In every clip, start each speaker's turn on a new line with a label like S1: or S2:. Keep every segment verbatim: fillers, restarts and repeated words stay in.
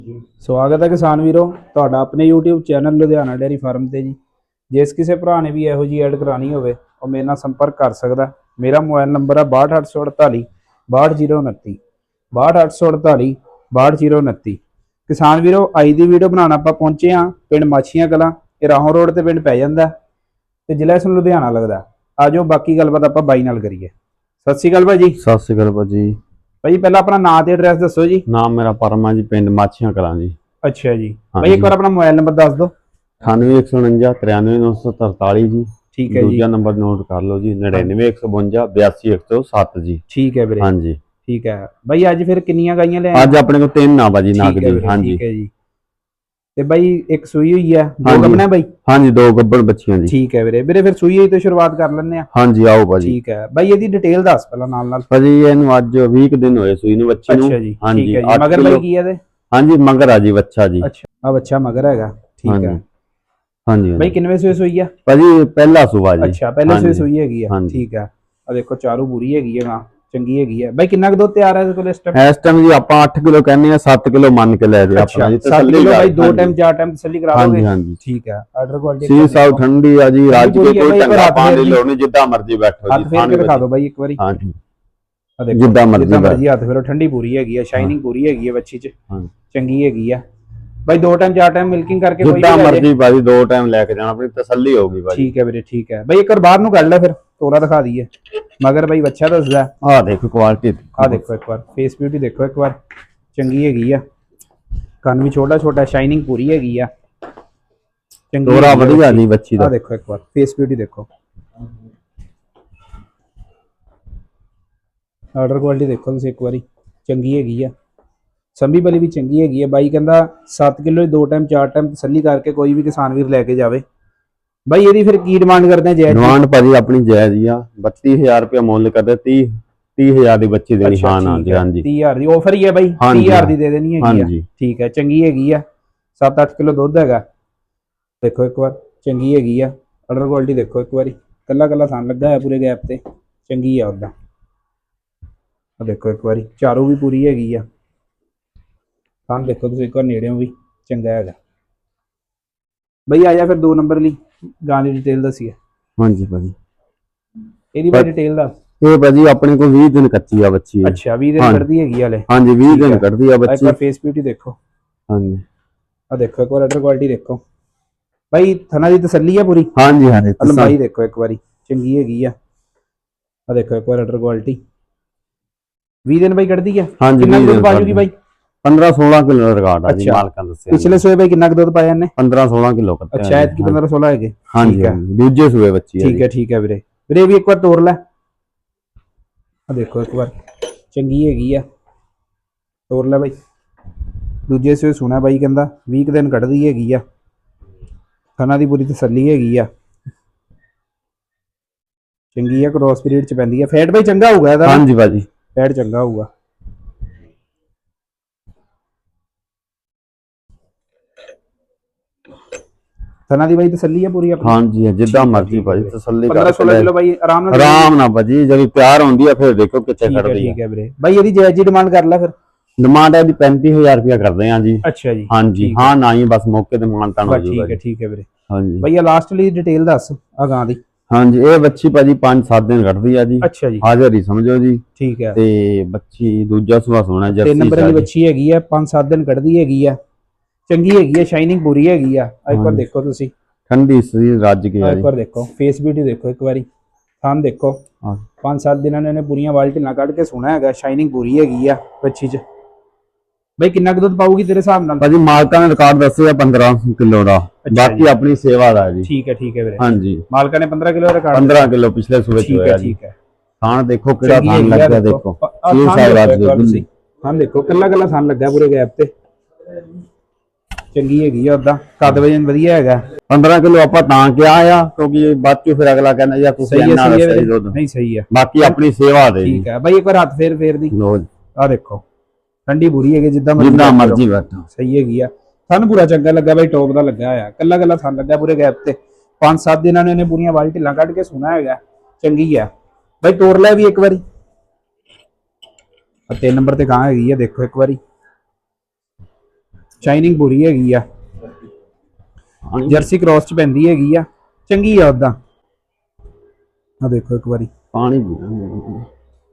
S1: ਸਵਾਗਤ ਹੈ ਕਿਸਾਨ ਵੀਰੋ ਤੁਹਾਡਾ ਆਪਣੇ YouTube channel Ludhiana dairy farm ਤੇ ਜੀ। ਜਿਸ ਕਿਸੇ ਭਰਾ ਨੇ ਵੀ ਇਹੋ ਜੀ ਐਡ ਕਰਾਣੀ ਹੋਵੇ ਉਹ ਮੇਰੇ ਨਾਲ ਸੰਪਰਕ ਕਰ ਸਕਦਾ। ਮੇਰਾ ਮੋਬਾਈਲ ਨੰਬਰ ਹੈ ਬਾਹਠ ਅੱਠ ਸੌ ਅੜਤਾਲੀ ਬਾਹਠ ਜ਼ੀਰੋ ਉਨੱਤੀ ਬਾਹਠ ਅੱਠ ਸੌ ਅੜਤਾਲੀ ਬਾਹਠ ਜ਼ੀਰੋ ਉਨੱਤੀ। ਕਿਸਾਨ ਵੀਰੋ ਅੱਜ ਦੀ ਵੀਡੀਓ ਬਣਾਉਣ ਆਪਾਂ ਪਹੁੰਚੇ ਹਾਂ ਪਿੰਡ ਮਾਛੀਆਂ ਕਲਾਂ। ਇਹ ਰਾਹੋਂ ਰੋਡ ਤੇ ਪਿੰਡ ਪੈ ਜਾਂਦਾ ਤੇ ਜ਼ਿਲ੍ਹਾ ਇਸ ਨੂੰ ਲੁਧਿਆਣਾ ਲੱਗਦਾ। ਆਜੋ ਬਾਕੀ ਗੱਲਬਾਤ ਆਪਾਂ ਬਾਈ ਨਾਲ ਕਰੀਏ। ਸਤਿ ਸ਼੍ਰੀ ਅਕਾਲ ਭਾਜੀ।
S2: ਸਤਿ ਸ਼੍ਰੀ ਅਕਾਲ ਭਾਜੀ।
S1: ਭਾਈ ਪਹਿਲਾਂ ਆਪਣਾ ਨਾਮ ਤੇ ਐਡਰੈਸ ਦੱਸੋ ਜੀ।
S2: ਨਾਮ ਮੇਰਾ ਪਰਮਾ ਜੀ, ਪਿੰਡ ਮਾਛੀਆਂ ਕਲਾਂ ਜੀ।
S1: ਅੱਛਾ ਜੀ ਭਾਈ ਇੱਕ ਵਾਰ ਆਪਣਾ ਮੋਬਾਈਲ ਨੰਬਰ ਦੱਸ ਦਿਓ।
S2: ਅਠਾਨਵੇਂ ਇੱਕ ਸੌ ਉਣੰਜਾ ਤਰਿਆਨਵੇਂ ਨੌ ਸੌ ਤਰਤਾਲੀ ਜੀ।
S1: ਠੀਕ ਹੈ ਜੀ।
S2: ਦੂਜਾ ਨੰਬਰ ਨੋਟ ਕਰ ਲਓ ਜੀ, ਨੜਿਨਵੇਂ ਇੱਕ ਸੌ ਬਵੰਜਾ ਬਿਆਸੀ ਇੱਕ ਸੌ ਸੱਤ ਜੀ।
S1: ਠੀਕ ਹੈ ਵੀਰੇ।
S2: ਹਾਂਜੀ
S1: ਠੀਕ ਹੈ ਬਾਈ। ਅੱਜ ਫਿਰ ਕਿੰਨੀਆਂ ਗਾਈਆਂ ਲੈ
S2: ਅੱਜ ਆਪਣੇ ਕੋਲ ਤਿੰਨ ਆ ਭਾਜੀ ਨਾਗ ਦੀ। ਹਾਂਜੀ
S1: ਠੀਕ ਹੈ ਜੀ। ਤੇ ਬਾਈ ਇੱਕ ਸੂਈ ਹੋਈ ਆ, ਦੋ ਗੱਭਣਾ ਬਾਈ।
S2: ਹਾਂਜੀ ਦੋ ਗੱਭਣ ਬੱਚੀਆਂ ਜੀ।
S1: ਠੀਕ ਹੈ ਵੀਰੇ। ਵੀਰੇ ਫਿਰ ਸੂਈ ਹੋਈ ਤੋਂ ਸ਼ੁਰੂਆਤ ਕਰ ਲੈਂਦੇ ਆ।
S2: ਹਾਂਜੀ ਆਓ ਭਾਜੀ।
S1: ਠੀਕ ਹੈ ਬਾਈ ਇਹਦੀ ਡਿਟੇਲ ਦੱਸ ਪਹਿਲਾਂ ਨਾਲ ਨਾਲ।
S2: ਭਾਜੀ ਇਹਨੂੰ ਅੱਜ ਵੀਹ ਦਿਨ ਹੋਏ ਸੂਈ ਨੂੰ ਬੱਚੀ ਨੂੰ।
S1: ਅੱਛਾ ਜੀ।
S2: ਹਾਂਜੀ
S1: ਠੀਕ ਹੈ ਜੀ। ਮਗਰ ਬਾਈ ਕੀ ਹੈ ਇਹਦੇ?
S2: ਹਾਂਜੀ ਮਗਰ ਆ ਜੀ ਬੱਚਾ ਜੀ।
S1: ਅੱਛਾ ਆ ਬੱਚਾ ਮਗਰ ਹੈਗਾ। ਠੀਕ ਹੈ
S2: ਹਾਂਜੀ
S1: ਬਾਈ। ਕਿੰਨਵੇਂ ਸੂਏ ਸੂਈ ਆ
S2: ਭਾਜੀ? ਪਹਿਲਾ ਸੂਆ ਜੀ।
S1: ਅੱਛਾ ਪਹਿਲੇ ਸੂਏ ਸੂਈ ਹੈਗੀ ਆ। ਠੀਕ ਹੈ ਆ ਦੇਖੋ ਚਾਰੂ ਪੂਰੀ ਹੈਗੀ ਹੈ ਨਾ, ਚੰਗੀ ਹੈਗੀ ਹੈ ਬਾਈ। ਕਿੰਨਾ ਕੁ ਦੁੱਧ ਤਿਆਰ ਹੈ ਇਹਦੇ ਕੋਲ ਇਸ ਟਾਈਮ?
S2: ਇਸ ਟਾਈਮ ਜੀ ਆਪਾਂ ਅੱਠ ਕਿਲੋ ਕਹਿੰਦੇ ਆ, ਸੱਤ ਕਿਲੋ ਮੰਨ ਕੇ ਲੈ ਦੇ ਆਪਣਾ ਜੀ।
S1: ਤਸੱਲੀ ਕਿਲੋ ਬਾਈ ਦੋ ਟਾਈਮ ਚਾਰ ਟਾਈਮ ਤਸੱਲੀ ਕਰਾ ਦੋਗੇ।
S2: ਹਾਂਜੀ ਹਾਂਜੀ
S1: ਠੀਕ ਹੈ। ਆਰਡਰ ਕੁਆਲਿਟੀ
S2: ਸੀ ਸਾਊ ਠੰਡੀ ਆ ਜੀ। ਰੱਜ ਕੇ ਕੋਈ ਢੰਗਾ ਪਾਣੀ ਲੋੜ ਨਹੀਂ, ਜਿੱਦਾਂ ਮਰਜ਼ੀ ਬੈਠੋ ਜੀ।
S1: ਹੱਥ ਫੇਰ ਕੇ ਦਿਖਾ ਦਿਓ ਬਾਈ ਇੱਕ ਵਾਰੀ।
S2: ਹਾਂਜੀ
S1: ਆ ਦੇਖੋ
S2: ਜਿੱਦਾਂ ਮਰਜ਼ੀ
S1: ਹੱਥ ਫੇਰੋ। ਠੰਡੀ ਪੂਰੀ ਹੈਗੀ ਆ, ਸ਼ਾਈਨਿੰਗ ਪੂਰੀ ਹੈਗੀ ਆ ਬੱਚੀ ਚ, ਚੰਗੀ ਹੈਗੀ ਆ ਬਾਈ। ਦੋ ਟਾਈਮ ਚਾਰ ਟਾਈਮ ਮਿਲਕਿੰਗ ਕਰਕੇ ਕੋਈ
S2: ਜਿੱਦਾਂ ਮਰਜ਼ੀ ਬਾਈ ਦੋ ਟਾਈਮ ਲੈ ਕੇ ਜਾਣਾ, ਆਪਣੀ ਤਸੱਲੀ ਹੋਊਗੀ ਬਾਈ।
S1: ਠੀਕ ਹੈ ਵੀਰੇ। ਠੀਕ ਹੈ ਬਾਈ। ਇੱਕ ਵਾਰ ਬਾਹਰ ਨੂੰ ਕੱਢ ਲੈ ਫਿਰ ਤੋਰਾ ਦਿਖਾ ਦਈਏ। ਮਗਰ ਬਾਈ ਬੱਚਾ ਦੱਸਦਾ।
S2: ਆਹ ਦੇਖੋ ਕੁਆਲਿਟੀ,
S1: ਆਹ ਦੇਖੋ ਇੱਕ ਵਾਰ ਫੇਸ ਬਿਊਟੀ ਦੇਖੋ ਇੱਕ ਵਾਰ, ਚੰਗੀ ਹੈਗੀ ਆ। ਕੰਨ ਵੀ ਛੋਟਾ ਛੋਟਾ, ਸ਼ਾਈਨਿੰਗ ਪੂਰੀ ਹੈਗੀ ਆ, ਚੰਗੀ
S2: ਤੋਰਾ ਵਧੀਆ ਜੀ ਬੱਚੀ ਦਾ।
S1: ਆਹ ਦੇਖੋ ਇੱਕ ਵਾਰ ਫੇਸ ਬਿਊਟੀ ਦੇਖੋ, ਆਰਡਰ ਕੁਆਲਿਟੀ ਦੇਖੋ ਤੁਸੀਂ ਇੱਕ ਵਾਰੀ, ਚੰਗੀ ਹੈਗੀ ਆ। ਸੰਭੀ ਬਲੀ ਵੀ ਚੰਗੀ ਹੈਗੀ ਆ। ਬਾਈ ਕਹਿੰਦਾ ਸੱਤ ਕਿਲੋ ਦੋ ਟਾਈਮ ਚਾਰ ਟਾਈਮ ਤਸੱਲੀ ਕਰਕੇ ਕੋਈ ਵੀ ਕਿਸਾਨ ਵੀਰ ਲੈ ਕੇ ਜਾਵੇ। ਬਾਈ ਇਹਦੀ ਫਿਰ ਕੀ ਡਿਮਾਂਡ ਕਰਦੇ ਆ? ਜਾਇਜ਼
S2: ਡਿਮਾਂਡ ਭਾਜੀ ਆਪਣੀ ਜਾਇਜ਼ ਹੀ ਆ। ਬੱਤੀ ਹਜ਼ਾਰ ਰੁਪਏ ਮੁੱਲ ਕਰਦੇ। ਤੀਹ ਤੀਹ ਹਜ਼ਾਰ ਦੀ ਬੱਚੀ ਦੇਣੀ। ਹਾਂ ਨਾ ਜੀ। ਹਾਂਜੀ
S1: ਤੀਹ ਹਜ਼ਾਰ ਦੀ ਆਫਰ ਹੀ ਹੈ ਬਾਈ। ਤੀਹ ਹਜ਼ਾਰ ਦੀ ਦੇ ਦੇਣੀ ਹੈਗੀ ਆ। ਠੀਕ ਹੈ ਚੰਗੀ ਹੈਗੀ ਆ। ਸੱਤ ਅੱਠ ਕਿਲੋ ਦੁੱਧ ਹੈਗਾ। ਦੇਖੋ ਇੱਕ ਵਾਰ ਚੰਗੀ ਹੈਗੀ ਆ। ਆਰਡਰ ਕੁਆਲਿਟੀ ਦੇਖੋ ਇੱਕ ਵਾਰੀ, ਕੱਲਾ ਕੱਲਾ ਥਣ ਲੱਗਾ ਹੈ ਪੂਰੇ ਗੈਪ ਤੇ, ਚੰਗੀ ਆ ਉਹਦਾ। ਆ ਦੇਖੋ ਇੱਕ ਵਾਰੀ ਚਾਰੂ ਵੀ ਪੂਰੀ ਹੈਗੀ ਆ। ਥਣ ਦੇਖੋ ਤੁਸੀਂ ਇੱਕ ਵਾਰ ਨੇੜਿਓਂ ਵੀ ਚੰਗਾ ਹੈਗਾ ਬਈ। ਆ ਜਾ ਫਿਰ ਦੋ ਨੰਬਰ ਲਈ ਗਾਂ ਦੀ ਡਿਟੇਲ ਦੱਸੀਏ।
S2: ਹਾਂਜੀ ਭਾਜੀ
S1: ਇਹਦੀ ਬਾਈ ਡਿਟੇਲ ਦੱਸ।
S2: ਇਹ ਭਾਜੀ ਆਪਣੇ ਕੋਲ ਵੀਹ ਦਿਨ ਕੱਚੀ ਆ ਬੱਚੀ।
S1: ਅੱਛਾ ਵੀਹ ਦਿਨ ਕੱਢਦੀ ਹੈਗੀ ਹਲੇ।
S2: ਹਾਂਜੀ ਵੀਹ ਦਿਨ ਕੱਢਦੀ ਆ ਬੱਚੀ।
S1: ਇੱਕ ਵਾਰ ਫੇਸ ਬਿਊਟੀ ਦੇਖੋ।
S2: ਹਾਂਜੀ
S1: ਆ ਦੇਖੋ ਇੱਕ ਵਾਰ ਆਰਡਰ ਕੁਆਲਿਟੀ ਦੇਖੋ ਬਾਈ। ਥਣਾ ਦੀ ਤਸੱਲੀ ਆ ਪੂਰੀ।
S2: ਹਾਂਜੀ ਹਾਂਜੀ
S1: ਲੰਬਾਈ ਦੇਖੋ ਇੱਕ ਵਾਰੀ, ਚੰਗੀ ਹੈਗੀ ਆ। ਆ ਦੇਖੋ ਇੱਕ ਵਾਰ ਆਰਡਰ ਕੁਆਲਿਟੀ। ਵੀਹ ਦਿਨ ਬਾਈ ਕੱਢਦੀ ਆ। ਕਿੰਨਾ ਦੁੱਧ ਪਾ ਜੂਗੀ ਬਾਈ?
S2: ਪੰਦਰਾਂ ਸੋਲਾਂ ਕਿਲੋ ਦਾ ਰਿਕਾਰਡ ਆ ਜੀ ਮਾਲਕਾਂ ਦੱਸਿਆ।
S1: ਪਿਛਲੇ ਸੂਏ ਬਾਈ ਕਿੰਨਾ ਦੂਧ ਪਾਇਆ ਇਹਨੇ?
S2: ਪੰਦਰਾਂ ਸੋਲਾਂ ਕਿਲੋ ਕੱਟਿਆ।
S1: ਅੱਛਾ ਐਤਕੀ ਪੰਦਰਾਂ ਸੋਲਾਂ ਹੈਗੇ।
S2: ਹਾਂਜੀ ਦੂਜੇ ਸੂਏ ਬੱਚੀ ਹੈ।
S1: ਠੀਕ ਹੈ ਠੀਕ ਹੈ ਵੀਰੇ। ਵੀਰੇ ਵੀ ਇੱਕ ਵਾਰ ਤੋਰ ਲੈ। ਆ ਦੇਖੋ ਇੱਕ ਵਾਰ ਚੰਗੀ ਹੈਗੀ ਆ, ਤੋਰ ਲੈ ਬਾਈ। ਦੂਜੇ ਸੂਏ ਸੁਣਾ ਬਾਈ ਕਹਿੰਦਾ ਵੀਹ ਦਿਨ ਕੱਢਦੀ ਹੈਗੀ ਆ। ਥਣਾ ਦੀ ਪੂਰੀ ਤਸੱਲੀ ਹੈਗੀ ਆ, ਚੰਗੀ ਆ। ਕ੍ਰੋਸ ਪੀਰੀਅਡ ਚ ਪੈਂਦੀ ਆ। ਫੈਟ ਬਾਈ ਚੰਗਾ ਹੋਊਗਾ ਇਹਦਾ।
S2: ਹਾਂਜੀ ਭਾਜੀ
S1: ਫੈਟ ਚੰਗਾ ਹੋਊਗਾ। ਥਣਾ ਦੀ ਬਾਈ ਤਸੱਲੀ ਆ ਪੂਰੀ ਆਪਣੀ।
S2: ਹਾਂਜੀ ਜਿੱਦਾਂ ਮਰਜ਼ੀ ਭਾਜੀ ਤਸੱਲੀ ਕਰ।
S1: ਪੰਦਰਾਂ ਸੋਲਾਂ ਕਿਲੋ ਬਾਈ ਆਰਾਮ ਨਾਲ
S2: ਆਰਾਮ ਨਾਲ ਭਾਜੀ। ਜਦੋਂ ਪਿਆਰ ਹੁੰਦੀ ਆ ਫਿਰ ਦੇਖੋ ਕਿੱਥੇ ਖੜਦੀ ਆ।
S1: ਠੀਕ ਹੈ ਵੀਰੇ। ਬਾਈ ਇਹਦੀ ਜਾਇਜ਼ ਜੀ ਡਿਮਾਂਡ ਕਰ ਲੈ ਫਿਰ।
S2: ਡਿਮਾਂਡ ਇਹਦੀ ਪੈਂਤੀ ਹਜ਼ਾਰ ਰੁਪਇਆ ਕਰਦੇ ਆ ਜੀ।
S1: ਅੱਛਾ ਜੀ।
S2: ਹਾਂਜੀ ਹਾਂ ਨਾ ਹੀ ਬਸ ਮੌਕੇ ਤੇ ਮਾਨਤਾਨ ਹੋ ਜਾਊਗਾ।
S1: ਠੀਕ ਹੈ ਠੀਕ ਹੈ ਵੀਰੇ।
S2: ਹਾਂਜੀ
S1: ਬਾਈ ਆ ਲਾਸਟ ਲਈ ਡਿਟੇਲ ਦੱਸ ਆ ਗਾਂ ਦੀ।
S2: ਹਾਂਜੀ ਇਹ ਬੱਚੀ ਭਾਜੀ ਪੰਜ ਸੱਤ ਦਿਨ ਕੱਢਦੀ ਆ ਜੀ।
S1: ਅੱਛਾ ਜੀ।
S2: ਹਾਜ਼ਰ ਹੀ ਸਮਝੋ ਜੀ।
S1: ਠੀਕ ਹੈ।
S2: ਤੇ ਬੱਚੀ ਦੂਜਾ ਸੁਭਾ ਸੋਣਾ ਜਰਸੀ।
S1: ਤਿੰਨ ਨੰਬਰ ਵਾਲੀ ਬੱਚੀ ਹੈਗੀ ਆ। ਪੰਜ ਸੱਤ ਦਿਨ ਕੱਢਦੀ ਹੈਗੀ ਆ, ਚੰਗੀ ਹੈਗੀ ਆ। ਸ਼ਾਈਨਿੰਗ ਪੂਰੀ ਹੈਗੀ ਆ। ਇੱਕ ਵਾਰ ਦੇਖੋ ਤੁਸੀਂ,
S2: ਠੰਡੀ ਸਰੀਰ ਰੱਜ ਕੇ ਆ ਜੀ।
S1: ਇੱਕ ਵਾਰ ਦੇਖੋ ਫੇਸ ਬਿਊਟੀ ਦੇਖੋ ਇੱਕ ਵਾਰੀ, ਥਣ ਦੇਖੋ। ਪੰਜ ਸੱਤ ਦਿਨਾਂ ਨੇ ਇਹਨੇ ਪੂਰੀਆਂ ਬਾਲਟੀਆਂ ਕੱਢ ਕੇ ਸੋਣਾ ਹੈਗਾ। ਸ਼ਾਈਨਿੰਗ ਪੂਰੀ ਹੈਗੀ ਆ ਬੱਚੀ ਚ। ਬਾਈ ਕਿੰਨਾ ਕੁ ਦੁੱਧ ਪਾਊਗੀ ਤੇਰੇ ਹਿਸਾਬ ਨਾਲ? ਭਾਜੀ
S2: ਮਾਲਕਾਂ ਨੇ ਰਿਕਾਰਡ ਦੱਸਿਆ ਪੰਦਰਾਂ ਕਿਲੋ ਦਾ, ਬਾਕੀ ਆਪਣੀ ਸੇਵਾ ਦਾ ਜੀ।
S1: ਠੀਕ ਹੈ ਠੀਕ ਹੈ ਵੀਰੇ।
S2: ਹਾਂਜੀ
S1: ਮਾਲਕਾਂ ਨੇ ਪੰਦਰਾਂ ਕਿਲੋ ਦਾ ਰਿਕਾਰਡ।
S2: ਪੰਦਰਾਂ ਕਿਲੋ ਪਿਛਲੇ ਸੂਬੇ ਚ ਹੋਇਆ ਜੀ।
S1: ਠੀਕ ਹੈ।
S2: ਥਾਣ ਦੇਖੋ ਕਿਹੜਾ ਥਾਣ ਲੱਗਿਆ ਦੇਖੋ।
S1: ਇਹ ਸਾਈਡ ਰਾਜ ਦੇ ਥਾਣ ਦੇਖੋ ਕੱਲਾ ਕੱਲਾ ਥਾਣ ਲੱਗਾ ਪੂਰੇ ਗੈਪ ਤੇ, ਚੰਗੀ ਹੈਗੀ ਆ। ਉਦਾਂ ਕੱਦ ਵਜਨ ਵਧੀਆ ਹੈਗਾ।
S2: ਪੰਦਰਾਂ ਕਿਲੋ ਆਪਾਂ ਤਾਂ ਕਿਹਾ ਆ ਕਿਉਂਕਿ ਬਾਅਦ ਚ ਫਿਰ ਅਗਲਾ ਕਹਿੰਦਾ ਯਾਰ ਤੁਸੀਂ ਇੰਨਾ ਸਹੀ ਦੁੱਧ
S1: ਨਹੀਂ। ਸਹੀ ਆ।
S2: ਬਾਕੀ ਆਪਣੀ ਸੇਵਾ ਦੇ।
S1: ਠੀਕ ਹੈ ਬਾਈ। ਇੱਕ ਵਾਰ ਹੱਥ ਫੇਰ ਫੇਰ ਦੀ ਆ ਦੇਖੋ, ਠੰਡੀ ਪੂਰੀ ਹੈਗੀ। ਜਿੱਦਾਂ
S2: ਜਿੱਦਾਂ ਮਰਜ਼ੀ ਬੈਠੋ।
S1: ਸਹੀ ਹੈਗੀ ਆ। ਸਾਨੂੰ ਪੂਰਾ ਚੰਗਾ ਲੱਗਾ ਬਾਈ। ਟੌਪ ਦਾ ਲੱਗਾ ਆ। ਕੱਲਾ ਕੱਲਾ ਥਣ ਲੱਗਾ ਪੂਰੇ ਗੈਪ ਤੇ। ਪੰਜ ਸੱਤ ਦਿਨਾਂ ਨੇ ਇਹਨੇ ਪੂਰੀਆਂ ਵਾਲ ਢਿੱਲਾਂ ਕੱਢ ਕੇ ਸੋਣਾ ਹੈਗਾ। ਚੰਗੀ ਆ ਬਾਈ। ਤੋਰ ਲੈ ਵੀ ਇੱਕ ਵਾਰੀ। ਤਿੰਨ ਨੰਬਰ ਤੇ ਗਾਂ ਹੈਗੀ ਆ। ਦੇਖੋ ਇੱਕ ਵਾਰੀ ਸ਼ਾਈਨਿੰਗ ਪੂਰੀ ਹੈਗੀ ਆ, ਜਰਸੀ ਕ੍ਰਾਸ ਚ ਪੈਂਦੀ ਹੈਗੀ ਆ, ਚੰਗੀ ਆ ਉਦਾਂ। ਆ ਦੇਖੋ ਇੱਕ ਵਾਰੀ
S2: ਪਾਣੀ ਪੀਣਾ।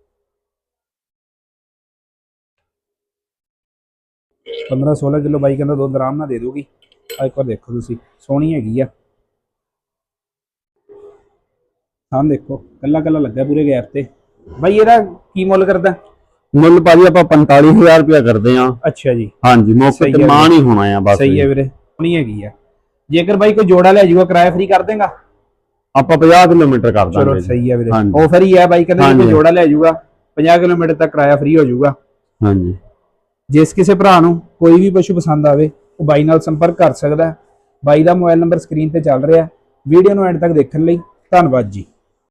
S1: ਪੰਦਰਾਂ ਸੋਲਾਂ ਕਿਲੋ ਬਾਈ ਕਹਿੰਦਾ ਦੁੱਧ ਆਰਾਮ ਨਾਲ ਦੇ ਦੂਗੀ। ਆ ਇੱਕ ਵਾਰ ਦੇਖੋ ਤੁਸੀਂ, ਸੋਹਣੀ ਹੈਗੀ ਆ। ਹਾਂ ਦੇਖੋ ਕੱਲਾ ਕੱਲਾ ਲੱਗਾ ਪੂਰੇ ਗੈਪ ਤੇ। ਬਾਈ ਇਹਦਾ ਕੀ ਮੁੱਲ ਕਰਦਾ?
S2: ਮੁੱਲ ਭਾਜੀ ਆਪਾਂ ਪੰਤਾਲੀ ਹਜ਼ਾਰ ਰੁਪਇਆ ਕਰਦੇ ਆ।
S1: ਅੱਛਾ ਜੀ,
S2: ਹਾਂਜੀ, ਮੌਕੇ ਤੇ ਮਾਨ ਹੀ ਹੋਣਾ ਆ ਬਸ।
S1: ਸਹੀ ਹੈ ਵੀਰੇ, ਸੋਹਣੀ ਹੈਗੀ ਆ। ਜੇਕਰ ਬਾਈ ਕੋਈ ਜੋੜਾ ਲੈ ਜਾਊਗਾ ਕਿਰਾਇਆ ਫ੍ਰੀ ਕਰ ਦੇਗਾ?
S2: ਆਪਾਂ ਪੰਜਾਹ ਕਿਲੋਮੀਟਰ ਕਰ ਦਾਂਗੇ।
S1: ਚਲੋ ਸਹੀ ਹੈ ਵੀਰੇ,
S2: ਹਾਂਜੀ।
S1: ਆਫਰ ਹੀ ਹੈ ਬਾਈ ਕਹਿੰਦੇ ਜੇ ਕੋਈ ਜੋੜਾ ਲੈ ਜਾਊਗਾ ਪੰਜਾਹ ਕਿਲੋਮੀਟਰ ਤੱਕ ਕਿਰਾਇਆ ਫ੍ਰੀ ਹੋ ਜਾਊਗਾ।
S2: ਹਾਂਜੀ,
S1: ਜਿਸ ਕਿਸੇ ਭਰਾ ਨੂੰ ਕੋਈ ਵੀ ਪਸ਼ੂ ਪਸੰਦ ਆਵੇ ਉਹ ਬਾਈ ਨਾਲ ਸੰਪਰਕ ਕਰ ਸਕਦਾ। ਬਾਈ ਦਾ ਮੋਬਾਈਲ ਨੰਬਰ ਸਕਰੀਨ ਤੇ ਚੱਲ ਰਿਹਾ। ਵੀਡੀਓ ਨੂੰ ਐਂਡ ਤੱਕ ਦੇਖਣ ਲਈ ਧੰਨਵਾਦ ਜੀ।